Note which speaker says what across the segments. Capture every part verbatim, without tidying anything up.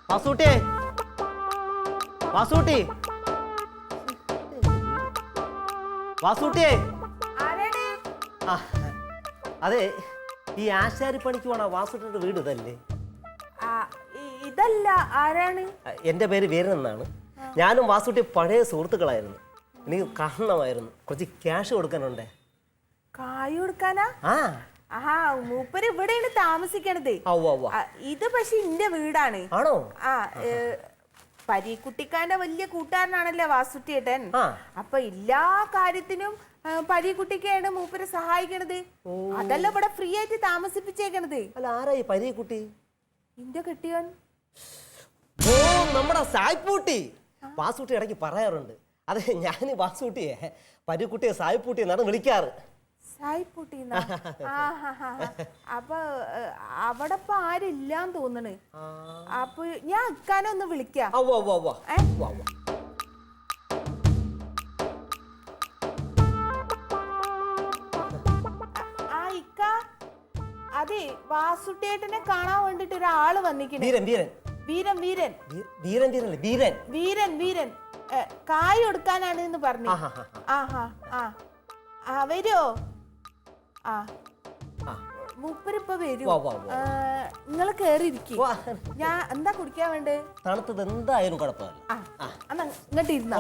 Speaker 1: വാസൂട്ടിയെ വാസൂട്ടി വാസൂട്ടിയെ ആ അതെ ഈ ആശാരിപ്പണിക്ക് പോണ വാസൂട്ടിയുടെ വീട് ഇതല്ലേ?
Speaker 2: ഇതല്ല. ആരാണ്?
Speaker 1: എൻ്റെ പേര് വീരൻ എന്നാണ്. ഞാനും വാസൂട്ടി പഴയ സുഹൃത്തുക്കളായിരുന്നു. എനിക്ക് കാണണമായിരുന്നു. കുറച്ച് ക്യാഷ് കൊടുക്കാനുണ്ടേ.
Speaker 2: കായ് കൊടുക്കാനാ?
Speaker 1: ആ
Speaker 2: ആഹാ, മൂപ്പര് ഇവിടെയാണ് താമസിക്കണത്. ഇത് പക്ഷെ എന്റെ വീടാണ്.
Speaker 1: ആണോ?
Speaker 2: ആ പരീക്കുട്ടിക്കാന്റെ വലിയ കൂട്ടുകാരനാണല്ലേ വാസുട്ടിയേട്ടൻ. അപ്പൊ എല്ലാ കാര്യത്തിനും പരീക്കുട്ടിക്കാണ് മൂപ്പര് സഹായിക്കണത്. അതല്ല ഇവിടെ ഫ്രീ ആയിട്ട് താമസിപ്പിച്ചേക്കണത്.
Speaker 1: അല്ല, ആരായി പരീക്കുട്ടി?
Speaker 2: ഇന്റെ കെട്ടിയോൻ.
Speaker 1: ഓ, നമ്മുടെ സായ്പൂട്ടി. വാസൂട്ടി ഇടയ്ക്ക് പറയാറുണ്ട്. അതെ, ഞാൻ വാസൂട്ടിയെ പരീക്കുട്ടിയെ സായ്പൂട്ടി എന്നാണ് വിളിക്കാറ്.
Speaker 2: സായ്പൂട്ടി. അപ്പൊ അവിടെ ഇപ്പൊ ആരില്ലാന്ന് തോന്നണ്. അപ്പൊ ഞാൻ ഇക്കാനൊന്ന് വിളിക്കാം. ആ ഇക്ക, അതെ വാസുട്ടേട്ടനെ കാണാൻ വേണ്ടിട്ട് ഒരാള് വന്നിട്ടുണ്ട്.
Speaker 1: വീരൻ വീരൻ
Speaker 2: വീരൻ വീരൻ
Speaker 1: വീരൻ വീരൻ
Speaker 2: വീരൻ വീരൻ കായ് കൊടുക്കാനാണ് എന്ന് പറഞ്ഞു. ആഹാ ആ വരുമോ? ആ മൂപ്പരിപ്പ വരൂ. നിങ്ങള് കേറിയിരിക്കും. ഞാൻ എന്താ കുടിക്കാൻ വേണ്ടേ?
Speaker 1: തണുത്തത് എന്തായാലും കുഴപ്പമില്ല.
Speaker 2: എന്നാ ഇങ്ങോട്ട് ഇരുന്നോ.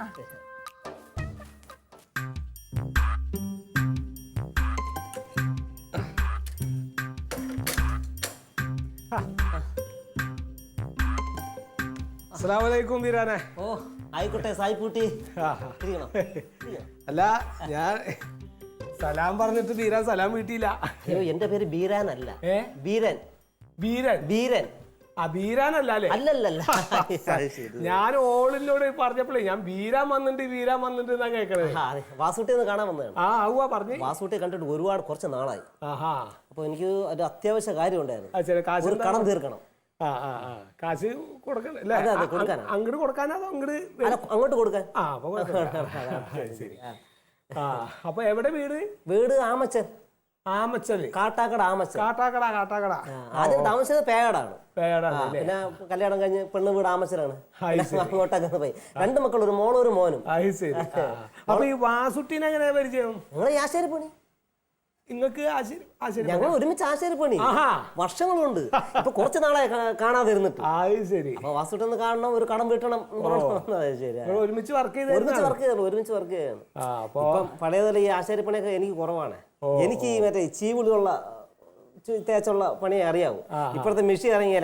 Speaker 3: അസ്സലാമലൈക്കും വീരാനെ.
Speaker 1: ഓ ആയിക്കോട്ടെ സായ്പൂട്ടി.
Speaker 3: അല്ല, ഞാൻ സലാം പറഞ്ഞിട്ട് വീരാൻ സലാം വീട്ടിയില്ല.
Speaker 1: അയ്യോ, എന്റെ പേര് ബീരാൻ അല്ല. ബീരൻ.
Speaker 3: ബീരൻ
Speaker 1: ബീരൻ
Speaker 3: ആ ബീരാനല്ല അല്ലേ?
Speaker 1: അല്ലല്ല,
Speaker 3: ഞാൻ ഓളിനോട് പറഞ്ഞപ്പോഴേ ഞാൻ ബീരാൻ വന്നിട്ട് വീരാൻ വന്നിട്ട് എന്നാ കേൾക്കണത്.
Speaker 1: വാസൂട്ടി ഒന്ന് കാണാൻ വന്നതാണ്.
Speaker 3: ആ ആവുക പറഞ്ഞു.
Speaker 1: വാസൂട്ടിയെ കണ്ടിട്ട് ഒരുപാട് കുറച്ച് നാളായി.
Speaker 3: ആഹാ.
Speaker 1: അപ്പൊ എനിക്ക് ഒരു അത്യാവശ്യ കാര്യം ഉണ്ടായിരുന്നു.
Speaker 3: ഒരു
Speaker 1: കടം തീർക്കണം.
Speaker 3: ആ ആ ആ കാശ് കൊടുക്കണല്ലേ? അങ്ങോട്ട് കൊടുക്കാനോ അതോ അങ്ങോട്ട്
Speaker 1: അങ്ങോട്ട് കൊടുക്കാൻ?
Speaker 3: ആ അപ്പൊ ശരി. ആ അപ്പൊ എവിടെ വീട്?
Speaker 1: വീട് ആമച്ചൻ.
Speaker 3: ആമച്ചല്?
Speaker 1: കാട്ടാക്കട. ആമച്ചൻ.
Speaker 3: കാട്ടാക്കട. കാട്ടാക്കട.
Speaker 1: ആദ്യം താമസിച്ചത് പേടാണ്.
Speaker 3: പേടാണ്.
Speaker 1: പിന്നെ കല്യാണം കഴിഞ്ഞ് പെണ്ണ് വീട് ആമച്ചനാണ്. അങ്ങോട്ടൊക്കെ പോയി. രണ്ട് മക്കൾ, ഒരു മോളും ഒരു മോനും.
Speaker 3: അപ്പൊ ഈ വാസുട്ടിനെ എങ്ങനെ പരിചയം?
Speaker 1: നിങ്ങളെ ആശാരിപ്പണി.
Speaker 3: നിങ്ങൾക്ക്
Speaker 1: ഞങ്ങൾ ഒരുമിച്ച് ആശാരിപ്പണി വർഷങ്ങളുണ്ട്. ഇപ്പൊ കുറച്ച് നാളെ കാണാതെ ഇരുന്നിട്ട്. അപ്പൊ വാസുട്ടി ഒന്ന് കാണണം, ഒരു കടം വീട്ടണം.
Speaker 3: ഒരുമിച്ച് വർക്ക് ചെയ്ത്
Speaker 1: ഒരുമിച്ച് വർക്ക് ചെയ്യണം ഒരുമിച്ച് വർക്ക് ചെയ്യണം. ഇപ്പം പഴയതല്ല, ഈ ആശാരിപ്പണിയൊക്കെ എനിക്ക് കുറവാണ്. എനിക്ക് ഈ മറ്റേ ചീവുളിയുള്ള തേച്ചുള്ള പണിയെ അറിയാവൂ. ഇപ്പോഴത്തെ മെഷീൻ ഇറങ്ങിയാലേ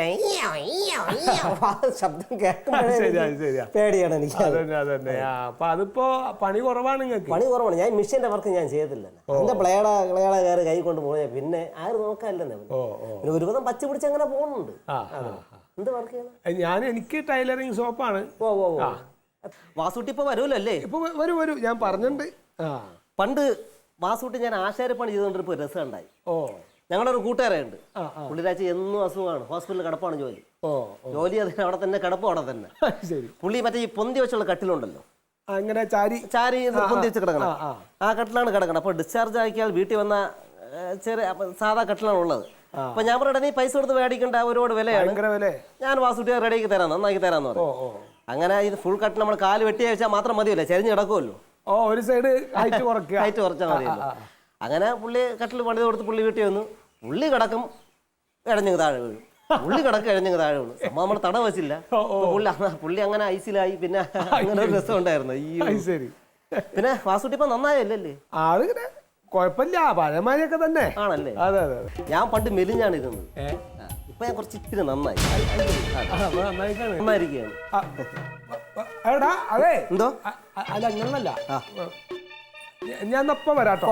Speaker 1: ശബ്ദം കേൾക്കുമ്പോഴേ പേടിയാണ് എനിക്ക്.
Speaker 3: അതിപ്പോ പണി കുറവാണ് നിങ്ങൾക്ക്?
Speaker 1: പണി കുറവാണ്. ഞാൻ മെഷീന്റെ വർക്ക് ഞാൻ ചെയ്തില്ല. എന്റെ പ്ലേട കളകള കയറി കൈ കൊണ്ട് പോയാൽ പിന്നെ ആരും നോക്കാനില്ലെന്നേ. പിന്നെ ഒരുവിധം പച്ച പിടിച്ച് അങ്ങനെ പോകുന്നുണ്ട്. എന്ത് വർക്ക് ചെയ്യണം?
Speaker 3: ഞാൻ എനിക്ക് ടൈലറിങ് ഷോപ്പാണ്.
Speaker 1: ഓ ഓ വാസൂട്ടി ഇപ്പൊ വരൂലല്ലേ?
Speaker 3: ഇപ്പൊ വരും വരും, ഞാൻ പറഞ്ഞിട്ടുണ്ട്.
Speaker 1: പണ്ട് വാസൂട്ടി ഞാൻ ആശാരിപ്പണി ചെയ്തുകൊണ്ടിരിപ്പോ രസം ഉണ്ടായി. ഓ ഞങ്ങളുടെ ഒരു കൂട്ടുകാരുണ്ട്. പുള്ളിരാഴ്ച എന്നും അസുഖമാണ്. ഹോസ്പിറ്റലിൽ കിടപ്പാണ് ജോലി. ജോലി അതിന് അവിടെ തന്നെ, കിടപ്പും അവിടെ തന്നെ. പുള്ളി മറ്റേ ഈ പൊന്തി വെച്ചുള്ള കട്ടിലുണ്ടല്ലോ,
Speaker 3: അങ്ങനെ ചാരി
Speaker 1: ചാരി പൊന്തി വെച്ച് കിടക്കണം. ആ കട്ടിലാണ് കിടക്കണം. അപ്പൊ ഡിസ്ചാർജ് ആക്കിയാൽ വീട്ടിൽ വന്ന ചെറിയ സാധാ കട്ടിലാണ് ഉള്ളത്. അപ്പൊ ഞാൻ പറയട്ടെ, നീ പൈസ കൊടുത്ത് മേടിക്കേണ്ട, ഒരുപാട് വിലയാണ്. ഞാൻ വാസുട്ടിയെ റെഡിയാക്കി തരാം, നന്നാക്കി തരാന്ന് പറഞ്ഞു. അങ്ങനെ ഇത് ഫുൾ കട്ട് നമ്മൾ കാല് വെട്ടി വെച്ചാൽ മാത്രം മതിയല്ലോ, ചെരിഞ്ഞ് കിടക്കുമല്ലോ.
Speaker 3: ഒരു സൈഡ് ഹൈറ്റ് കുറയ്ക്കുക,
Speaker 1: ഹൈറ്റ് കുറച്ചാൽ മതിയല്ലോ. അങ്ങനെ പുള്ളി കട്ടിൽ പണിത് കൊടുത്ത് പുള്ളി വീട്ടിൽ വന്നു. പുള്ളി കിടക്കും, ഇഴഞ്ഞങ്ങ് താഴെ വീഴും. പുള്ളി കിടക്കും, ഇഴഞ്ഞങ്ങ് താഴെ വീണു. സംഭവം നമ്മൾ തട വെച്ചില്ല. പുള്ളി പുള്ളി അങ്ങനെ ഐസിലായി. പിന്നെ അങ്ങനെ ഒരു രസം ഉണ്ടായിരുന്നു. ഈ പിന്നെ വാസുട്ടി ഇപ്പൊ നന്നായല്ലേ?
Speaker 3: ആളിങ്ങനെ കുഴപ്പമില്ല, പഴയമാരിയൊക്കെ തന്നെ ആണല്ലേ? അതെ അതെ.
Speaker 1: ഞാൻ പണ്ട് മെലിഞ്ഞാണ് ഇരുന്നത്. ഇപ്പൊ ഞാൻ കുറച്ച് ഇത്തിരി നന്നായി നന്നായിരിക്കുകയാണ്.
Speaker 3: അതെ
Speaker 1: എന്തോ?
Speaker 3: അല്ല അങ്ങനല്ല, ഞാൻ ഒപ്പം വരാട്ടോ.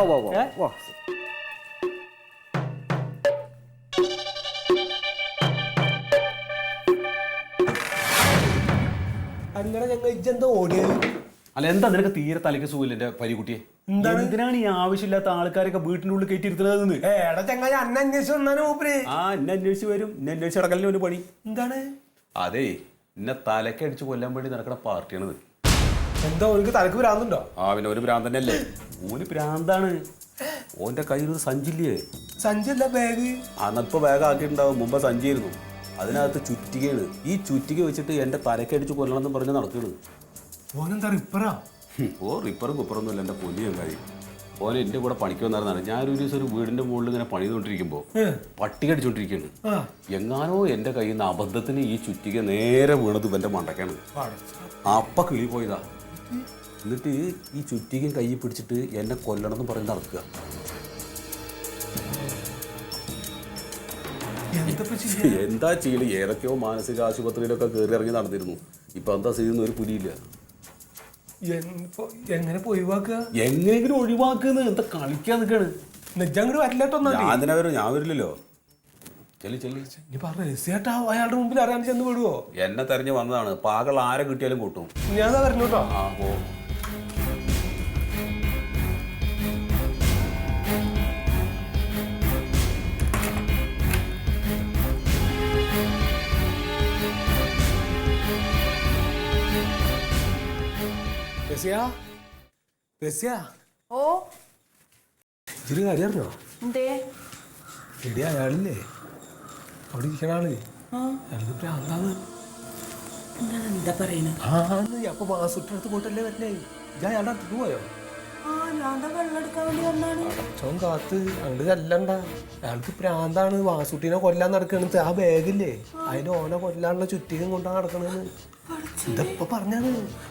Speaker 3: അങ്ങനെ ഞങ്ങൾ ഇജെന്തോ ഓടിയത്.
Speaker 4: അല്ല എന്താ നിനക്ക് തീരെ തലയ്ക്ക് സുഖമില്ല എന്റെ പരിക്കുട്ടിയെ? എന്തിനാണ് ഈ ആവശ്യമില്ലാത്ത ആൾക്കാരൊക്കെ വീട്ടിന്റെ ഉള്ളിൽ കയറ്റിയിരുത്തുന്നത്?
Speaker 3: ഏടാ ചങ്ങായി, അന്നെ അന്വേഷിച്ചു വന്നാണ് മൂപ്പര്.
Speaker 4: ആ എന്നെ അന്വേഷിച്ച് വരും. എന്നെ അന്വേഷിച്ച് നടക്കലിന് ഒരു പണി.
Speaker 3: എന്താണ്?
Speaker 4: അതെ, എന്നെ തലയ്ക്ക് അടിച്ച് കൊല്ലാൻ വേണ്ടി നടക്കുന്ന പാർട്ടിയാണിത്.
Speaker 3: എന്താ ഓർക്ക് തലക്ക് ഭ്രാന്തുണ്ടോ?
Speaker 4: ആ പിന്നെ ഒരു ഭ്രാന്ത് തന്നെയല്ലേ. ഓന് ഭ്രാന്താണ്. ഓന്റെ കയ്യിൽ ഒരു സഞ്ചില്ലേ?
Speaker 3: സഞ്ചിയല്ല, ബാഗ്.
Speaker 4: അന്നപ്പോ ബാഗ് ആക്കിയിട്ടുണ്ടാവും. മുമ്പ് സഞ്ചിയായിരുന്നു. അതിനകത്ത് ചുറ്റി ചുറ്റികയാണ്. ഈ ചുറ്റിക വെച്ചിട്ട് എൻ്റെ തലക്കടിച്ച് കൊല്ലണം എന്ന് പറഞ്ഞ് നടക്കുന്നത്.
Speaker 3: ഓനെന്താ റിപ്പറാ?
Speaker 4: ഓ റിപ്പറും കുപ്പറൊന്നും അല്ല എൻ്റെ പൊന്നിയും കാര്യം. ഓനെ എൻ്റെ കൂടെ പണിക്ക് വന്നായിരുന്നാണ്. ഞാനൊരു ദിവസം ഒരു വീടിൻ്റെ മുകളിൽ ഇങ്ങനെ പണിതുകൊണ്ടിരിക്കുമ്പോൾ പട്ടി കടിച്ചോണ്ടിരിക്കുകയാണ്. എങ്ങാനോ എൻ്റെ കയ്യിൽ നിന്ന് അബദ്ധത്തിന് ഈ ചുറ്റിക നേരെ വീണത് ഇവൻ്റെ മണ്ടക്കാണ്. അപ്പ കിളി പോയതാ. എന്നിട്ട് ഈ ചുറ്റികയും കൈ പിടിച്ചിട്ട് എന്നെ കൊല്ലണം എന്ന് പറഞ്ഞ് നടക്കുക. എന്താ ചെയ്യല്? ഏതൊക്കെയോ മാനസിക ആശുപത്രിയിലൊക്കെ കയറി ഇറങ്ങി നടന്നിരുന്നു. ഇപ്പൊ എന്താ ചെയ്യുന്ന ഒരു പുലിയില്ല.
Speaker 3: എങ്ങനെ ഒഴിവാക്കുക?
Speaker 4: എങ്ങനെയെങ്കിലും ഒഴിവാക്കുന്ന എന്താ കളിക്കാൻ നിൽക്കാണ്.
Speaker 3: നെജങ്ങോട് വരില്ലട്ടോ.
Speaker 4: ഞാൻ തന്നെ വരും. ഞാൻ വരില്ലല്ലോ. ചെല്ലി ചെല്ലി
Speaker 3: രഹസ്യമായിട്ടാ അയാളുടെ മുമ്പിൽ അറിയാൻ ചെന്ന് വിടുവോ?
Speaker 4: എന്നെ തെരഞ്ഞു വന്നതാണ്. പാകൾ ആരെ കിട്ടിയാലും കൂട്ടും.
Speaker 3: ഞാൻ പറഞ്ഞു കേട്ടോ.
Speaker 4: ആ പോ.
Speaker 2: ഓ
Speaker 3: ഇതൊരു കാര്യം അറിഞ്ഞോ?
Speaker 2: എന്തേ?
Speaker 3: എടി അയാളില്ലേ അവിടെ ഇരിക്കണ ആള് അയാൾക്ക് ഭ്രാന്താണ്.
Speaker 2: എന്താ പറയുന്നത്?
Speaker 3: ആന്ന് അപ്പൊ മാസൂട്ടിനടുത്ത് പോയിട്ടല്ലേ വരണേ. ഞാൻ അയാളുടെ അടുത്ത് പോയോ?
Speaker 2: വെള്ളം എടുക്കാൻ വേണ്ടി വന്നാണ്.
Speaker 3: അടച്ചോൻ കാത്ത് അങ്ങോട്ട് ചെല്ലണ്ട. അയാൾക്ക് പ്രാന്താണ്. വാസൂട്ടിനെ കൊല്ലാൻ നടക്കണത്. ആ ബാഗില്ലേ അതിന് ഓനെ കൊല്ലാനുള്ള ചുറ്റിനും കൊണ്ടാ നടക്കണെന്ന്. ഇതപ്പൊ പറഞ്ഞാണ്.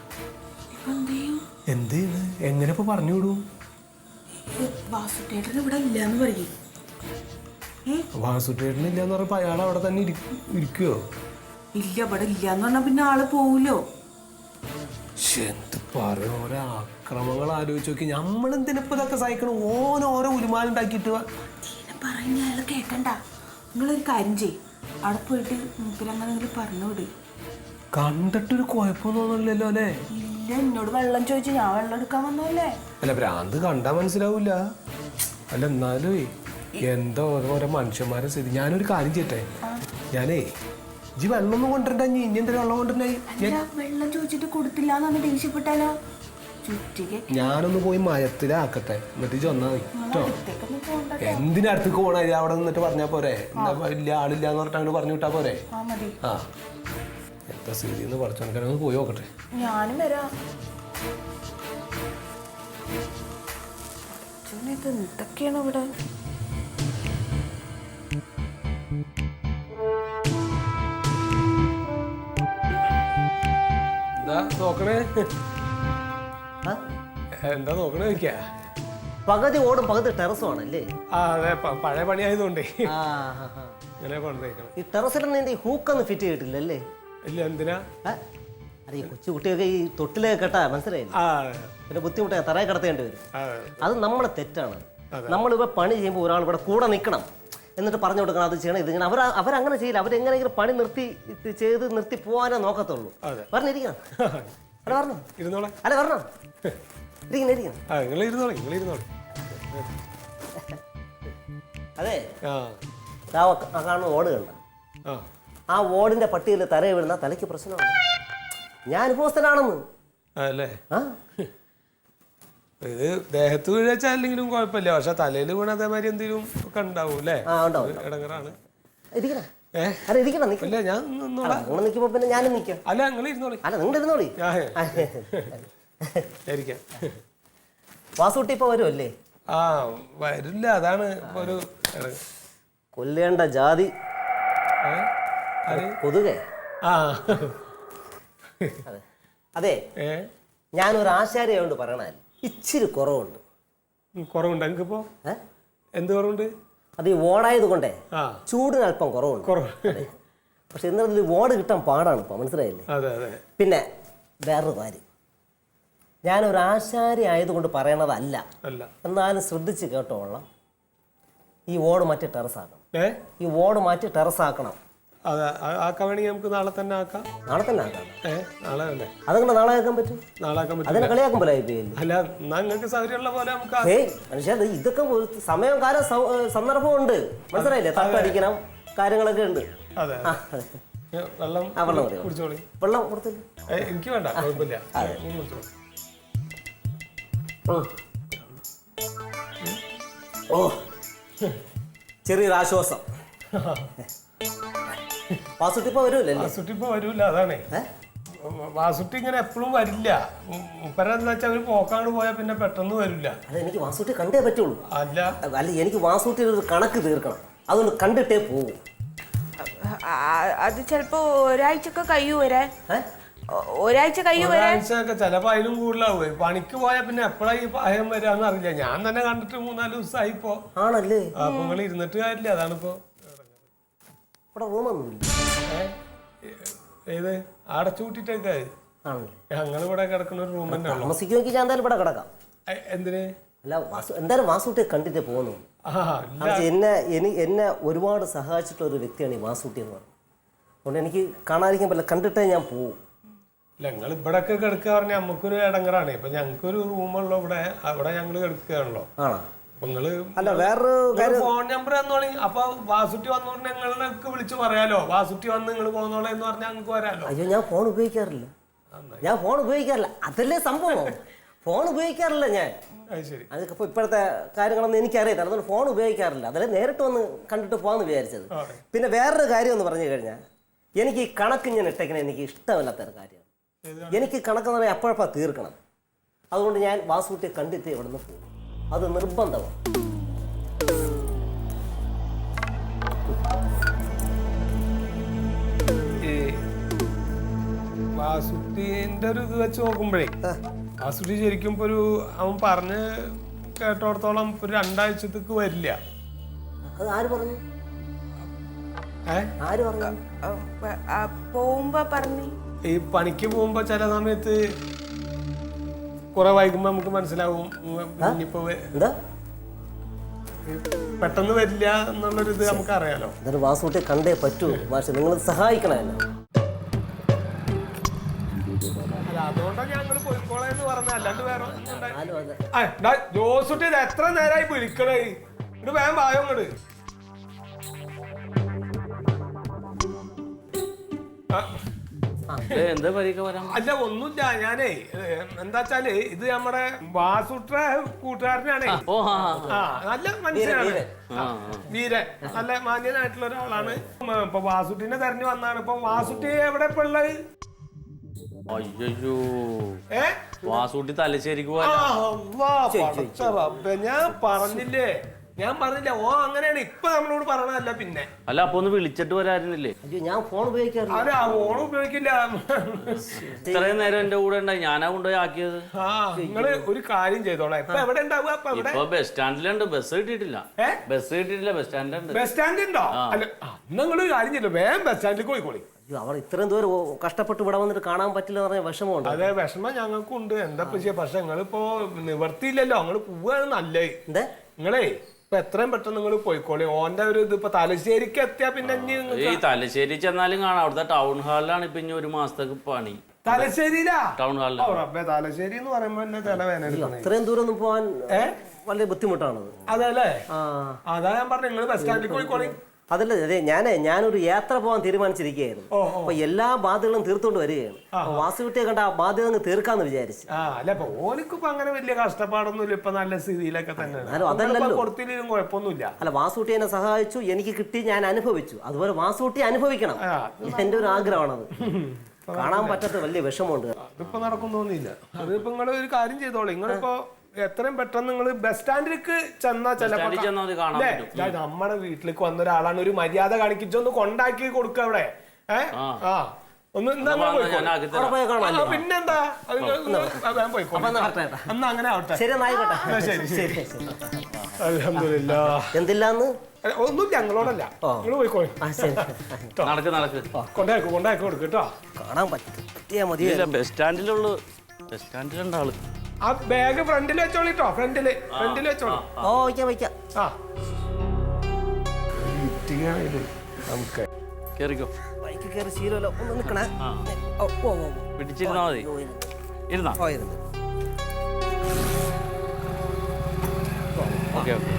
Speaker 3: എന്ത് എങ്ങനെ ഇപ്പൊ പറഞ്ഞു വിടും?
Speaker 2: വാസുട്ടേട്ടൻ ഇവിടെ ഇല്ലാന്ന് പറയും.
Speaker 3: വാസുട്ടേട്ടൻ ഇല്ലാന്ന് പറഞ്ഞപ്പോ അയാൾ അവിടെ തന്നെ ഇരിക്കുവോ?
Speaker 2: ഇല്ല ഇവിടെ ഇല്ലാന്ന് പറഞ്ഞാ പിന്നെ ആള് പോവൂലോ.
Speaker 3: എന്ത് പറയും? ഓരോ ആക്രമങ്ങൾ ആലോചിച്ച് നോക്കി. നമ്മളെന്തിനിപ്പോ ഇതൊക്കെ സഹിക്കണം? ഓരോ ഓരോ ഉരുമാലുണ്ടാക്കിയിട്ട്
Speaker 2: പറയുന്ന അയാൾ കേക്കണ്ട. നിങ്ങളൊരു കാര്യം ചെയ്യും, അവിടെ പോയിട്ട് മൂപ്പിലങ്ങനെ പറഞ്ഞു വിട്.
Speaker 3: കണ്ടിട്ടൊരു കുഴപ്പമൊന്നുമില്ലല്ലോ അല്ലേ?
Speaker 2: ഇല്ല, എന്നോട് വെള്ളം ചോദിച്ചു. ഞാൻ വെള്ളം എടുക്കാൻ വന്നല്ലേ.
Speaker 3: അല്ല ഭ്രാന്ത് കണ്ടാ മനസ്സിലാവൂല. അല്ല എന്നാലും എന്താ ഓരോ മനുഷ്യന്മാരെ സ്ഥിതി. ഞാനൊരു കാര്യം ചെയ്യട്ടെ. ഞാനേ ഇജ്ജ് വെള്ളമൊന്നും കൊണ്ടിരണ്ട. ഇനി ഇനി എന്താ വെള്ളം കൊണ്ടിരുന്നേ?
Speaker 2: വെള്ളം ചോദിച്ചിട്ട് കൊടുത്തില്ലാന്ന് ദേഷ്യപ്പെട്ടാലോ?
Speaker 3: ഞാനൊന്ന് പോയി മയത്തിലാക്കട്ടെ, എന്നിട്ട് ചെന്നാ മതി കേട്ടോ. എന്തിനടുത്തേക്ക് പോണ? അവിടെ നിന്നിട്ട് പറഞ്ഞാ പോരെ? ഇല്ല ആളില്ലാന്ന് പറഞ്ഞിട്ട് അങ്ങോട്ട് പറഞ്ഞു വിട്ടാ പോരെ? ആ എന്താ സ്ഥിതിന്ന് പഠിച്ചോണ്ട് പോയി നോക്കട്ടെ.
Speaker 2: ഞാനും വരാം. എന്തൊക്കെയാണ് ഇവിടെ?
Speaker 3: എന്താ നോക്കണേ? എന്താ നോക്കണേ ചോദിക്കാ?
Speaker 1: പകുതി ഓടും പകുതി ടെറസും ആണല്ലേ?
Speaker 3: ആ അതെ, പഴയ പണി ആയതുകൊണ്ടേ ഇങ്ങനെ കൊണ്ടുപോയിക്കണം.
Speaker 1: ഈ ടെറസിലൊന്നും ഈ ഹൂക്കൊന്നും ഫിറ്റ് ചെയ്തിട്ടില്ലല്ലേ?
Speaker 3: ഇല്ല. എന്തിനാ?
Speaker 1: അത് ഈ കൊച്ചു കുട്ടിയൊക്കെ ഈ തൊട്ടിലേക്ക് കെട്ടാ മനസ്സിലായില്ല. പിന്നെ ബുദ്ധിമുട്ടാ, തറയെ കിടത്തേണ്ടി വരും. അത് നമ്മളെ തെറ്റാണ്. നമ്മളിവിടെ പണി ചെയ്യുമ്പോൾ ഒരാൾ ഇവിടെ കൂടെ നിൽക്കണം, എന്നിട്ട് പറഞ്ഞു കൊടുക്കണം അത് ചെയ്യണം ഇത് ചെയ്യണം. അവർ അവരങ്ങനെ ചെയ്യില്ല. അവരെങ്ങനെയെങ്കിലും പണി നിർത്തി ചെയ്ത് നിർത്തി പോകാനേ നോക്കത്തുള്ളൂ. പറഞ്ഞിരിക്കണം. അല്ല പറഞ്ഞോ?
Speaker 3: ഇരുന്നോളെ.
Speaker 1: അല്ല പറഞ്ഞോ? ഇരിക്കണം ഇരിക്കണം. അതെ, കാണുന്ന ഓട് കണ്ട ആ ഓടിന്റെ പട്ടിയിൽ തലയെ വീഴുന്ന തലയ്ക്ക് പ്രശ്നമാണ്. ഞാൻ അനുഭവസ്ഥനാണെന്ന്.
Speaker 3: ആ ഇത് ദേഹത്ത് വീഴാച്ചാലെങ്കിലും കുഴപ്പമില്ല, പക്ഷെ തലയിൽ വീണ അതേമാതിരി എന്തെങ്കിലും ഒക്കെ ഉണ്ടാവും അല്ലേ? ഇടങ്ങറാണ്.
Speaker 1: അല്ല ഞാൻ നിൽക്കുമ്പോ പിന്നെ ഞാനും നിൽക്കാം.
Speaker 3: അല്ല നിങ്ങൾ ഇരുന്നോളി.
Speaker 1: അല്ല നിങ്ങൾ ഇരുന്നോളി. വാസൂട്ടി ഇപ്പൊ വരുമല്ലേ?
Speaker 3: ആ വരില്ല, അതാണ് ഒരു
Speaker 1: കൊല്ലേണ്ട ജാതി കൊതുകേ. അതെ, ഞാനൊരു ആശാരിയായോണ്ട് പറയണല്ല, ഇച്ചിരി കുറവുണ്ട്.
Speaker 3: കുറവുണ്ട് എനിക്കിപ്പോ? എന്ത് കുറവുണ്ട്?
Speaker 1: അത് ഈ ഓടായത് കൊണ്ടേ ചൂടിന് അല്പം കുറവുണ്ട്. പക്ഷെ എന്നാലും ഓട് കിട്ടാൻ പാടാണ് ഇപ്പൊ, മനസ്സിലായില്ലേ? പിന്നെ വേറൊരു കാര്യം, ഞാനൊരു ആശാരി ആയതുകൊണ്ട് പറയണതല്ല, എന്നാലും ശ്രദ്ധിച്ച് കേട്ടോളാം. ഈ ഓട് മാറ്റി ടെറസാക്കണം. ഈ ഓട് മാറ്റി ടെറസാക്കണം.
Speaker 3: ആക്കാൻ വേണമെങ്കിൽ നമുക്ക് നാളെ തന്നെ ആക്കാം.
Speaker 1: നാളെ തന്നെ ആക്കാം.
Speaker 3: നാളെ തന്നെ
Speaker 1: അതങ്ങനെ നാളെ ആക്കാൻ പറ്റും?
Speaker 3: നാളെ ആക്കാൻ പറ്റും.
Speaker 1: അതിനെ കളിയാക്കാൻ പോലെ
Speaker 3: അല്ല, നിങ്ങൾക്ക് സൗകര്യമുള്ള പോലെ നമുക്ക്.
Speaker 1: ഏയ് മനുഷ്യ, ഇതൊക്കെ സമയം കാലം സന്ദർഭം ഉണ്ട്, മനസ്സിലായില്ലേ? തട്ടടിക്കണം, കാര്യങ്ങളൊക്കെ ഉണ്ട്.
Speaker 3: അതെ. വെള്ളം കുടിച്ചോളി.
Speaker 1: വെള്ളം കൊടുത്തില്ല
Speaker 3: എനിക്ക് വേണ്ട, കുഴപ്പമില്ല.
Speaker 1: ഓ ചെറിയൊരു ആശ്വാസം. വാസുട്ടി ഇപ്പൊ വരൂല്ലേ?
Speaker 3: വാസുട്ടി ഇപ്പൊ വരൂല, അതാണേ. വാസുട്ടി ഇങ്ങനെ എപ്പോഴും വരില്ല. മുപ്പരെന്താ വെച്ചാൽ അവര് പോക്കാണ്ട് പോയാൽ പിന്നെ പെട്ടെന്ന് വരില്ല.
Speaker 1: അത് എനിക്ക് വാസുട്ടി കണ്ടേ പറ്റുള്ളൂ.
Speaker 3: അല്ല
Speaker 1: അല്ല എനിക്ക് വാസുട്ടിയുടെ ഒരു കണക്ക് തീർക്കണം, അതുകൊണ്ട് കണ്ടിട്ടേ പോകും.
Speaker 2: അത് ചിലപ്പോ ഒരാഴ്ചക്ക് കഴിയൂ വരാൻ. ഒരാഴ്ച കഴിയൂ വരാൻ.
Speaker 3: ഒരാഴ്ചയൊക്കെ ചിലപ്പോ അതിലും കൂടുതലാവേ. പണിക്ക് പോയാൽ പിന്നെ എപ്പോഴാ ഈ പായം വരാന്ന് അറിയില്ല. ഞാൻ തന്നെ കണ്ടിട്ട് മൂന്നാല് ദിവസമായി ഇപ്പോ.
Speaker 1: ആണല്ലേ?
Speaker 3: അപ്പൊ നിങ്ങൾ ഇരുന്നിട്ട് കാര്യമില്ല, അതാണിപ്പോ.
Speaker 1: ഇവിടെ റൂമൊന്നുമില്ല.
Speaker 3: ഏത് അടച്ചുകൂട്ടിട്ടേക്കാ? ഞങ്ങൾ ഇവിടെ കിടക്കുന്ന ഒരു റൂം തന്നെ ഉള്ളു.
Speaker 1: താമസിക്കുമെങ്കിൽ ഞാൻ എന്തായാലും ഇവിടെ കിടക്കാം.
Speaker 3: എന്തിന്?
Speaker 1: അല്ല വാസു എന്തായാലും വാസുട്ടിയെ കണ്ടിട്ടേ പോകുന്നു. എന്നെ എനി എന്നെ ഒരുപാട് സഹായിച്ചിട്ടുള്ള ഒരു വ്യക്തിയാണ് ഈ വാസുട്ടി എന്ന് പറയുന്നത്. അതുകൊണ്ട് എനിക്ക് കാണാതിരിക്കാൻ പറ്റില്ല, കണ്ടിട്ടേ ഞാൻ പോവും.
Speaker 3: ഇല്ല, നിങ്ങൾ ഇവിടെ ഒക്കെ കിടക്കുക പറഞ്ഞാൽ നമുക്കൊരു ഇടങ്ങറാണ്. ഇപ്പൊ ഞങ്ങൾക്കൊരു റൂമുള്ളൂ ഇവിടെ, അവിടെ ഞങ്ങൾ കിടക്കുകയാണല്ലോ.
Speaker 1: ആണോ?
Speaker 3: അപ്പൊ നിങ്ങള്
Speaker 1: അല്ല വേറൊരു
Speaker 3: ഫോൺ നമ്പർ തന്നോളി. അപ്പൊ വാസുട്ടി വന്നോണ്ട് ഞങ്ങൾക്ക് വിളിച്ച് പറയാലോ. വാസുട്ടി വന്ന് നിങ്ങൾ പോന്നോളെ എന്ന് പറഞ്ഞാൽ ഞങ്ങൾക്ക് വരാലോ.
Speaker 1: അയ്യോ ഞാൻ ഫോൺ ഉപയോഗിക്കാറില്ല, ഞാൻ ഫോൺ ഉപയോഗിക്കാറില്ല. അതല്ലേ സംഭവം, ഫോൺ ഉപയോഗിക്കാറില്ല ഞാൻ.
Speaker 3: ശരി,
Speaker 1: അതിപ്പോ ഇപ്പോഴത്തെ കാര്യങ്ങളൊന്നും എനിക്കറിയില്ല, അതുകൊണ്ട് ഫോൺ ഉപയോഗിക്കാറില്ല. അതല്ലേ നേരിട്ട് വന്ന് കണ്ടിട്ട് പോകാന്ന് വിചാരിച്ചത്. പിന്നെ വേറൊരു കാര്യം എന്ന് പറഞ്ഞു കഴിഞ്ഞാൽ എനിക്ക് ഈ കണക്ക് ഞാൻ ഇട്ടേക്കണ എനിക്ക് ഇഷ്ടമല്ലാത്തൊരു കാര്യമാണ്. എനിക്ക് കണക്കെന്ന് പറഞ്ഞാൽ എപ്പോഴപ്പോൾ തീർക്കണം. അതുകൊണ്ട് ഞാൻ വാസുട്ടിയെ കണ്ടിട്ട് ഇവിടെ നിന്ന് പോകും, അത് നിർബന്ധമാണ്.
Speaker 3: വാസുട്ടിന്റെ ഒരു ഇത് വെച്ച് നോക്കുമ്പോഴേ വാസുട്ടി ശരിക്കും ഇപ്പൊ ഒരു അവൻ പറഞ്ഞ് കേട്ടോടത്തോളം ഒരു രണ്ടാഴ്ചത്തേക്ക് വരില്ല.
Speaker 1: അത് ആര് പറഞ്ഞു?
Speaker 3: ഏഹ്
Speaker 1: ആര് പറഞ്ഞു?
Speaker 2: പോകുമ്പോ പറഞ്ഞു.
Speaker 3: ഈ പണിക്ക് പോകുമ്പോ ചില സമയത്ത് കുറെ വൈകുമ്പോ നമുക്ക് മനസ്സിലാവും ഇനിയിപ്പോ പെട്ടെന്ന് വരില്ല എന്നുള്ളൊരു ഇത് നമുക്ക് അറിയാലോ.
Speaker 1: എന്നിട്ട് വാസുട്ടിയെ കണ്ടേ പറ്റൂ. പക്ഷെ നിങ്ങൾ സഹായിക്കണമല്ലോ.
Speaker 3: അതുകൊണ്ടാണ് ഞങ്ങൾ പോയിക്കോളെന്ന് പറഞ്ഞ, അല്ലാണ്ട് വേറെ ജോസുട്ടി ഇത് എത്ര നേരമായി വിളിക്കണേ. ഇത് വേഗം പായോ ഇങ്ങട്. അല്ല ഒന്നുമില്ല, ഞാനേ എന്താ വെച്ചാല് ഇത് നമ്മുടെ വാസുട്ട കൂട്ടുകാരനാണേ. ആ നല്ല മനുഷ്യനാണ്, വീരൻ, നല്ല മാന്യനായിട്ടുള്ള ഒരാളാണ്. ഇപ്പൊ വാസുട്ടിനെ തെരഞ്ഞു വന്നാണ്. ഇപ്പൊ വാസുട്ടി എവിടെ ഇപ്പൊ ഉള്ളത്?
Speaker 5: അയ്യോ വാസൂട്ടി തലശ്ശേരിക്ക്
Speaker 3: ഞാൻ പറഞ്ഞില്ലേ, ഞാൻ പറഞ്ഞില്ല. ഓ അങ്ങനെയാണ് ഇപ്പൊ നമ്മളോട് പറയണതല്ല. പിന്നെ
Speaker 5: അല്ല അപ്പൊ ഒന്ന് വിളിച്ചിട്ട് വരാറുന്നില്ലേ?
Speaker 1: ഞാൻ ഫോൺ ഉപയോഗിക്കാറില്ല.
Speaker 3: അല്ല ഫോൺ ഉപയോഗിക്കില്ല.
Speaker 5: ഇത്രയും നേരം എന്റെ കൂടെ ഉണ്ടായി, ഞാനാ കൊണ്ടുപോയി ആക്കിയത്.
Speaker 3: ആ നിങ്ങള് ഒരു കാര്യം ചെയ്തോളാം. ഇപ്പൊ എവിടെ ഉണ്ടാവുക?
Speaker 5: ഇപ്പൊ ബസ് സ്റ്റാൻഡിലുണ്ട്. ബസ് കിട്ടിയിട്ടില്ല, ബസ് കിട്ടിയിട്ടില്ല. ബസ് സ്റ്റാൻഡിലുണ്ട്.
Speaker 3: ബസ് സ്റ്റാൻഡ് ഉണ്ടോ? അല്ല നിങ്ങള് കാര്യം ചെയ്തോ, വേഗം ബസ് സ്റ്റാൻഡിലേക്ക് പോയിക്കോളി.
Speaker 1: അവർ ഇത്രയും ദൂരം കഷ്ടപ്പെട്ട് ഇവിടെ വന്നിട്ട് കാണാൻ പറ്റില്ല എന്ന് പറഞ്ഞ വിഷമമുണ്ട്.
Speaker 3: അതെ വിഷമം ഞങ്ങൾക്കും ഉണ്ട്. എന്താ ചെയ്യാ, പക്ഷെ നിങ്ങളിപ്പോ നിവർത്തിയില്ലല്ലോ. നിങ്ങള് പോവാണ് നല്ലത്. നിങ്ങളേ ഇപ്പൊ എത്രയും പെട്ടെന്ന് നിങ്ങൾ പോയിക്കോളി. ഓന്റെ ഒരു ഇത് ഇപ്പൊ തലശ്ശേരിക്ക് എത്തിയാ പിന്നെ
Speaker 5: ഈ തലശ്ശേരി ചെന്നാലും കാണാം. അവിടുത്തെ ടൗൺ ഹാളിലാണ് ഇപ്പൊ ഇനി ഒരു മാസത്തേക്ക് പണി.
Speaker 3: തലശ്ശേരിയിലാ?
Speaker 5: ടൗൺ ഹാളിൽ.
Speaker 3: തലശ്ശേരി എന്ന് പറയുമ്പോ
Speaker 1: ഇത്രയും ദൂരം ഒന്നും പോവാൻ വലിയ ബുദ്ധിമുട്ടാണത്.
Speaker 3: അതെ അല്ലേ? അതാ ഞാൻ പറഞ്ഞു നിങ്ങൾ ബസ് സ്റ്റാൻഡിൽ പോയിക്കോളി.
Speaker 1: അതല്ല അതെ, ഞാനേ ഞാനൊരു യാത്ര പോകാൻ തീരുമാനിച്ചിരിക്കുകയായിരുന്നു. അപ്പൊ എല്ലാ ബാധ്യതകളും തീർത്തോണ്ട് വരികയാണ്. വാസുകുട്ടിയെ കണ്ട ആ ബാധ്യത തീർക്കാന്ന് വിചാരിച്ചു.
Speaker 3: ഓനിക്കിപ്പോ അങ്ങനെ വലിയ കഷ്ടപ്പാടൊന്നുമില്ല. ഇപ്പൊ നല്ല സ്ഥിതിയിലൊക്കെ തന്നെയാണ്.
Speaker 1: അതല്ലല്ലോ,
Speaker 3: കൊടുത്തില്ലേലും കുഴപ്പമൊന്നുമില്ല.
Speaker 1: അല്ല വാസുട്ടി എന്നെ സഹായിച്ചു, എനിക്ക് കിട്ടി, ഞാൻ അനുഭവിച്ചു. അതുപോലെ വാസുട്ടി അനുഭവിക്കണം, എന്റെ ഒരു ആഗ്രഹമാണത്. കാണാൻ പറ്റാത്ത വലിയ വിഷമമുണ്ട്.
Speaker 3: അതിപ്പോ നടക്കുന്നൊന്നുമില്ല. അതിപ്പോ നിങ്ങൾ ഒരു കാര്യം ചെയ്തോളൂ. നിങ്ങളിപ്പോ എത്രയും പെട്ടെന്ന് നിങ്ങൾ ബസ് സ്റ്റാൻഡിലേക്ക് ചെന്നാ ചിലപ്പോ നമ്മുടെ വീട്ടിലേക്ക് വന്ന ഒരാളാണ്, ഒരു മര്യാദ കാണിച്ചൊന്ന് കൊണ്ടാക്കി കൊടുക്ക അവിടെ. ഏഹ് ആ ഒന്ന് പിന്നെന്താ പോയിക്കോ. എന്നാ അങ്ങനെ ആവട്ടെ. ശരി ശരി. അൽഹംദുലില്ലാ.
Speaker 1: എന്തില്ലാന്ന്
Speaker 3: ഒന്നുമില്ല, ഞങ്ങളോടല്ല. നിങ്ങൾ പോയിക്കോളൂ. കൊണ്ടാക്കി കൊണ്ടാക്കി കൊടുക്കും കേട്ടോ.
Speaker 1: കാണാൻ പറ്റിയാ മതി.
Speaker 5: ബസ് സ്റ്റാൻഡിലുള്ളു, ബസ് സ്റ്റാൻഡിലുണ്ട് ആള്.
Speaker 3: ആ ബാഗ് ഫ്രണ്ടിൽ വെച്ചോളിട്ടോ. ഫ്രണ്ടില് ഫ്രണ്ടിൽ വെച്ചോളൂ.
Speaker 1: ഓ വയ്ക്കാം വയ്ക്കാം.
Speaker 3: ആ നമുക്ക്
Speaker 5: കേറിക്കോ.
Speaker 1: ബൈക്ക് കയറി ശീലമല്ലോ. ഒന്ന് നിൽക്കണേ.
Speaker 5: പിടിച്ചിരുന്നാ മതി. ഇരുന്നാ ഓക്കെ ഓക്കെ.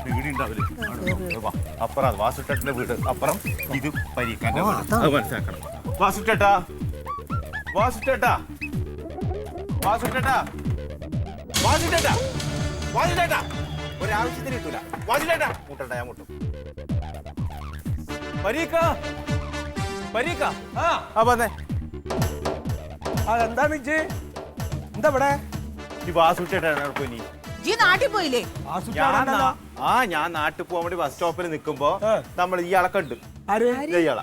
Speaker 6: അപ്പുറം വാസുട്ടന്റെ വീട്, അപ്പുറം ഇത് പരീക്കാന്റെ വീട്. മനസ്സിലാക്കണം. വാസുട്ടേട്ടാ വാസുട്ടേട്ടാ വാസുട്ടേട്ടാ വാസുട്ടേട്ടാ വാസുട്ടേട്ടാ ഒരാവശ്യത്തിന് കിട്ടൂല വാസുട്ടേട്ടാ മുട്ടണ്ട ഞാൻ മുട്ടും പരീക്ക പരീക്ക
Speaker 3: ആ
Speaker 6: ആ വന്നേ
Speaker 3: അതെന്താണ് ഇജ്ജ് എന്താ ഇവിടെ
Speaker 6: ഈ വാസുട്ടേട്ടാ പോയി
Speaker 2: ജി നാട്ടിൽ പോയില്ലേ
Speaker 6: ഞാൻ നാ- ആ ഞാൻ നാട്ടിൽ പോകാൻ വേണ്ടി ബസ് സ്റ്റോപ്പിൽ നിൽക്കുമ്പോ നമ്മൾ ഇയാളെ കണ്ട്
Speaker 3: ആര്
Speaker 6: ഇയാളെ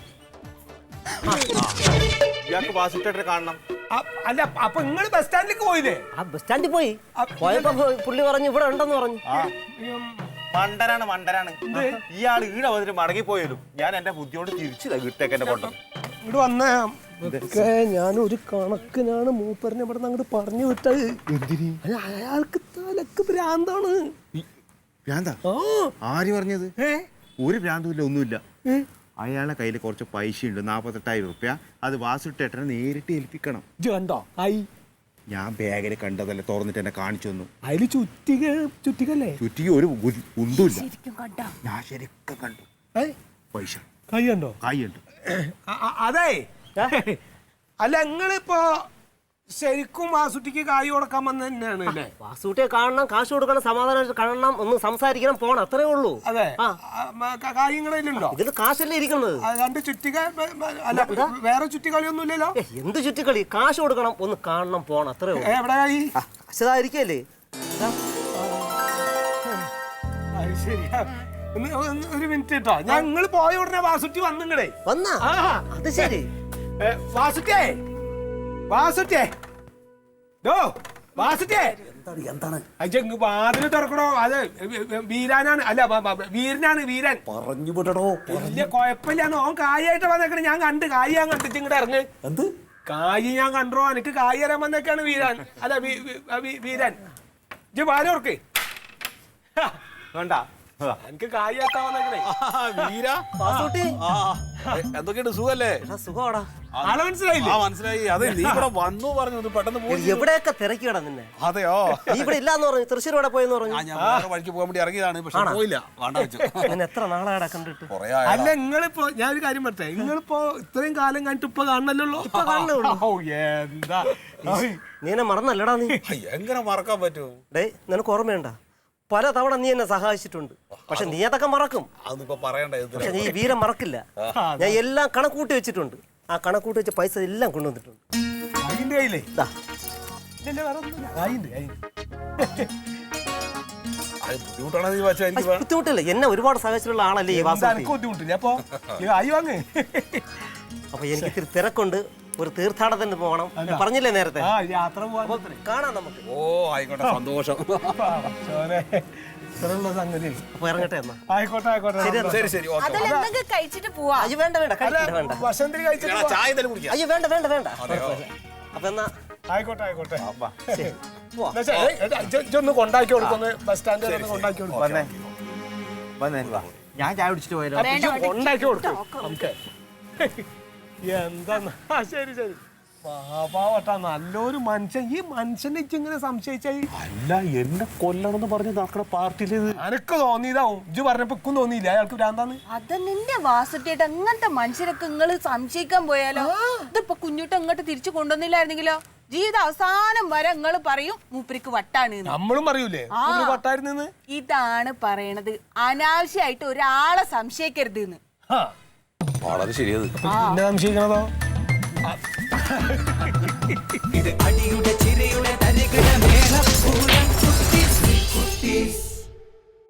Speaker 6: ഇയാൾക്ക് വാസുട്ടേട്ടനെ കാണണം
Speaker 3: അ- അല്ല അപ്പൊ നിങ്ങള് ബസ് സ്റ്റാൻഡിലേക്ക് പോയില്ലേ
Speaker 1: ആ ബസ് സ്റ്റാൻഡിൽ പോയി പോയപ്പോ പുള്ളി പറഞ്ഞു ഇവിടെ ഉണ്ടെന്ന് പറഞ്ഞു.
Speaker 6: ആ മണ്ടനാണ് മണ്ടനാണ് ഇയാൾ ഈടെ വന്നിട്ട് മടങ്ങി പോയാലും ഞാൻ എന്റെ ബുദ്ധിയോട് തിരിച്ചു വീട്ടിലേക്ക് എന്നെ കൊണ്ടു
Speaker 3: ഇവിടെ വന്നേ ഇതൊക്കെ ഞാൻ ഒരു കണക്കിനാണ് മൂപ്പറിനെ ഇവിടെ നിന്ന് അങ്ങോട്ട് പറഞ്ഞു വിട്ടത്. അല്ല, അയാൾക്ക് തലക്ക് ഭ്രാന്താണ്.
Speaker 6: ഭ്രാന്താ
Speaker 3: ആ
Speaker 6: ആര് പറഞ്ഞത്
Speaker 3: ഏ
Speaker 6: ഒരു ഭ്രാന്തുമില്ല ഒന്നുമില്ല അയാളെ കയ്യിൽ കുറച്ച് പൈസ ഉണ്ട് നാപ്പത്തെട്ടായിരം റുപ്യ അത് വാസുട്ടേട്ടനെ നേരിട്ട് ഏൽപ്പിക്കണം.
Speaker 3: ഇജ്ജ് കണ്ടോ ആയി
Speaker 6: ഞാൻ ബാഗിൽ കണ്ടതല്ലേ തുറന്നിട്ട് എന്നെ കാണിച്ചു തന്നു.
Speaker 3: അതില് ചുറ്റിക ചുറ്റികല്ലേ
Speaker 6: ചുറ്റിക്ക് ഒരു ഒന്നുമില്ല ഞാൻ ശരിക്കും കണ്ടു
Speaker 3: ഏ
Speaker 6: പൈസ
Speaker 3: കൈ കണ്ടോ
Speaker 6: കായുണ്ട്.
Speaker 3: അ- അ- അതെ അല്ല നിങ്ങളിപ്പോ ശരിക്കും വാസുട്ടിക്ക് കായ് കൊടുക്കാൻ വന്ന തന്നെയാണ് അല്ലേ?
Speaker 1: വാസുട്ടിയെ കാണണം, കാശ് കൊടുക്കണം, സമാധാനമായിട്ട് കാണണം, ഒന്ന് സംസാരിക്കണം, പോണം, അത്രേ ഉള്ളൂ.
Speaker 3: അതെ
Speaker 1: ആ.
Speaker 3: കായ് ഇങ്ങളുണ്ടോ?
Speaker 1: ഇതിൽ കാശല്ലേ ഇരിക്കുന്നത്.
Speaker 3: രണ്ട് ചുറ്റിക അല്ല വേറെ ചുറ്റിക്കളിയൊന്നും ഇല്ലല്ലോ.
Speaker 1: ഏ, എന്ത് ചുറ്റിക്കളി? കാശ് കൊടുക്കണം, ഒന്ന് കാണണം, പോണം, അത്രേ ഉള്ളൂ.
Speaker 3: എവിടെ കായ്?
Speaker 1: കാശതായിരിക്കല്ലേ?
Speaker 3: അത് ശരിയാ. ഒന്ന് ഒന്ന് ഒരു മിനിറ്റ് കേട്ടോ. ഞങ്ങൾ പോയ ഉടനെ വാസുട്ടി വന്നിങ്ങടേ.
Speaker 1: വന്നാ
Speaker 3: ആ
Speaker 1: അത് ശരി.
Speaker 3: ഏ, വാസുട്ടിയേ വാസുട്ടിയേ ഡോ വാസുട്ടിയേ
Speaker 7: എന്താണ്
Speaker 3: അജങ് വാതിൽ തുറക്കണോ? അത് വീരാനാണ് അല്ല ബ- ബ- വീരനാണ് വീരൻ.
Speaker 7: പറഞ്ഞു വിടടോ.
Speaker 3: വലിയ കുഴപ്പമില്ലാന്ന് ഓൻ കായായിട്ട് വന്നേക്കണേ. ഞാൻ കണ്ട് കായ് ഞാൻ കണ്ടിട്ട് ഇങ്ങോട്ട് ഇറങ്ങ്.
Speaker 7: എന്ത്
Speaker 3: കായ് ഞാൻ കണ്ടോ? എനിക്ക് കായ് തരാൻ വന്നേക്കാണ് വീരാൻ. അല്ല വീ- വീ- വീ- വീരൻ ഇജ്ജ് പാലോർക്ക്
Speaker 6: വേണ്ട
Speaker 3: എനിക്ക് കായ് എത്താൻ വന്നേക്കണേ.
Speaker 7: വീര
Speaker 1: വാസുട്ടി
Speaker 7: എന്തൊക്കെയുണ്ട് സുഖല്ലേ?
Speaker 1: എടാ, സുഖമാടാ.
Speaker 3: ആളെ മനസ്സിലായില്ലേ?
Speaker 7: ആ മനസ്സിലായി. അതെ നീ ഇവിടെ വന്നു പറഞ്ഞു പെട്ടെന്ന് പോയി.
Speaker 1: എവിടെയൊക്കെ തിരക്കിടാ നിന്നെ.
Speaker 7: അതെയോ
Speaker 1: നീ ഇവിടെ ഇല്ലാന്ന് പറഞ്ഞു, തൃശ്ശൂർ ഇവിടെ പോയെന്ന് പറഞ്ഞു.
Speaker 7: ആ, ഞാൻ വേറെ വഴിക്ക് പോകാൻ വേണ്ടി ഇറങ്ങിയതാണ് പക്ഷെ പോയില്ല. വേണ്ട വെച്ചു
Speaker 1: നിന്നെ എത്ര നാളാടാ കണ്ടിട്ട്.
Speaker 7: കൊറേ
Speaker 3: അല്ല നിങ്ങളിപ്പോ ഞാൻ ഒരു കാര്യം പറട്ടെ, നിങ്ങളിപ്പോ ഇത്രയും കാലം കഴിഞ്ഞിട്ട് ഇപ്പൊ കാണണല്ലോ.
Speaker 1: ഇപ്പൊ കാണണേ ഉള്ളൂ.
Speaker 3: ഓ, എന്താ
Speaker 1: നീ എന്നെ മറന്നല്ലടാ നീ.
Speaker 7: എങ്ങനെ മറക്കാൻ പറ്റും?
Speaker 1: ഡേ നിനക്ക് ഓർമ്മയുണ്ട? പല തവണ നീ എന്നെ സഹായിച്ചിട്ടുണ്ട്. പക്ഷെ നീ അതൊക്കെ മറക്കും.
Speaker 7: അതൊന്നും ഇപ്പൊ പറയണ്ട.
Speaker 1: പക്ഷെ നീ വീരം മറക്കില്ല. ഞാൻ എല്ലാം കണക്കൂട്ടി വെച്ചിട്ടുണ്ട്. ആ കണക്കൂട്ടി വെച്ച പൈസ എല്ലാം കൊണ്ടുവന്നിട്ടുണ്ട്.
Speaker 3: അതിന്റെ കയ്യിലേ
Speaker 1: ദാ.
Speaker 3: ഇല്ലല്ലേ, വേറെ ഒന്നുമില്ല. അതിന്റെ അതിന്റെ
Speaker 7: അത് ബുദ്ധിമുട്ടാണ് നീ വെച്ചാൽ എനിക്ക്
Speaker 1: അത് ബുദ്ധിമുട്ടില്ല. എന്നെ ഒരുപാട് സഹായിച്ചിട്ടുള്ള ആളല്ലേ ഈ വാസു.
Speaker 3: എനിക്ക് ബുദ്ധിമുട്ടില്ല. അപ്പൊ ഈ ആയി വാങ്ങ്.
Speaker 1: അപ്പൊ എനിക്ക് ഇത്തിരി തിരക്കുണ്ട്, ഒരു തീർത്ഥാടനത്തിന് പോകണം. ഞാൻ പറഞ്ഞില്ലേ നേരത്തെ.
Speaker 3: ആ യാത്ര പോവാൻ
Speaker 1: കാണാം നമുക്ക്.
Speaker 7: ഓ ആയിക്കോട്ടെ, സന്തോഷം.
Speaker 3: ഇത്രയുള്ള സംഗതി.
Speaker 1: അപ്പൊ ഇറങ്ങട്ടെ എന്നാ.
Speaker 3: ആയിക്കോട്ടെ ആയിക്കോട്ടെ.
Speaker 7: ശരി ശരി ഓക്കെ.
Speaker 2: അതിൽ എന്തെങ്കിലും കഴിച്ചിട്ട് പോവാ.
Speaker 1: അയ്യോ വേണ്ട വേണ്ട, കഴിക്കില്ല, വേണ്ട.
Speaker 3: വസന്തി കഴിച്ചിട്ട് പോ.
Speaker 7: ചായ തന്നെ കുടിക്കാം.
Speaker 1: അയ്യോ വേണ്ട വേണ്ട വേണ്ട. അപ്പൊ എന്നാ
Speaker 3: ആയിക്കോട്ടെ ആയിക്കോട്ടെ.
Speaker 1: ശരി, പോവാം.
Speaker 3: എന്നാ ശരി. ഏയ്, എടാ, ഇജ്ജ് ഇജ്ജ് ഒന്ന് കൊണ്ടാക്കി കൊടുക്കുന്നു. ബസ് സ്റ്റാൻഡിൽ ഒന്ന് കൊണ്ടാക്കി കൊടുക്കും.
Speaker 6: വന്നേ വന്നേ വാ. ഞാൻ ചായ കുടിച്ചിട്ട് പോയാലോ?
Speaker 3: അപ്പൊ ഇജ്ജ് കൊണ്ടാക്കി കൊടുക്കും നമുക്ക്. എന്താ? ശരി ശരി. പാവട്ടാ, നല്ലൊരു മനുഷ്യൻ. ഈ മനുഷ്യനെ ഇങ്ങനെ സംശയിച്ചായി.
Speaker 7: അല്ല എന്നെ കൊല്ലണമെന്ന് പറഞ്ഞ് നടക്കണ പാർട്ടിയില്
Speaker 3: അനക്ക് തോന്നിയതാവും. ഇജ്ജ് പറഞ്ഞപ്പോ ഇക്കും തോന്നിയില്ല അയാൾക്ക് ഭ്രാന്താന്ന്.
Speaker 2: അത് നിന്റെ വാസുട്ടിയിട്ട് അങ്ങനത്തെ മനുഷ്യരൊക്കെ നിങ്ങൾ സംശയിക്കാൻ പോയാലോ? ഇതിപ്പൊ കുഞ്ഞുട്ട് അങ്ങോട്ട് തിരിച്ചു കൊണ്ടുവന്നില്ലായിരുന്നെങ്കിലോ ജീവിത അവസാനം വരെ നിങ്ങൾ പറയും മൂപ്പരിക്ക് വട്ടാണ്.
Speaker 3: നമ്മളും പറയൂലേ വട്ടായിരുന്നു.
Speaker 2: ഇതാണ് പറയണത്, അനാവശ്യമായിട്ട് ഒരാളെ സംശയിക്കരുത് എന്ന്.
Speaker 7: വളരെ ശരിയത്.
Speaker 3: എന്നെ സംശയിക്കണതോ?
Speaker 8: ഇത് അടിയുടെ